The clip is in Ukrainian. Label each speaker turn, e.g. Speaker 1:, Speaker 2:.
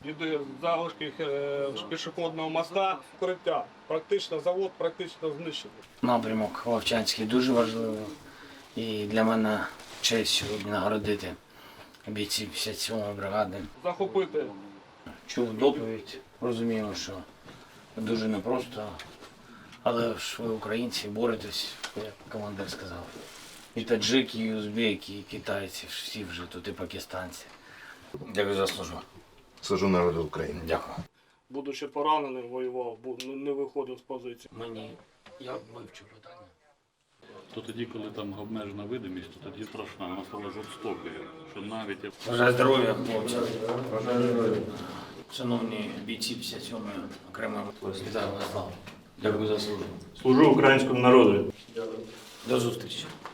Speaker 1: Іде залишки пішохідного моста, вкриття. Практично завод знищений.
Speaker 2: Напрямок Вовчанський дуже важливий. І для мене честь сьогодні нагородити бійців 57-ї бригади.
Speaker 1: Захопити.
Speaker 2: Чув доповідь, розумію, що дуже непросто, але ж ви українці боретесь, як командир сказав. І таджики, і узбеки, і китайці, всі вже тут, і пакистанці. Дякую за службу.
Speaker 3: Служу народу України.
Speaker 2: Дякую.
Speaker 1: Будучи пораненим, воював, не виходив з позиції.
Speaker 2: Я вивчу питання.
Speaker 4: То тоді, коли там обмежена видимість, то тоді страшна, вона стала жорстокою, що навіть
Speaker 2: Бажаю здоров'я, хлопці. Бажаю здоров'я. Шановні бійці 57-ї окремої вітаю вас. Дякую за службу.
Speaker 5: Служу українському народу.
Speaker 2: До зустрічі.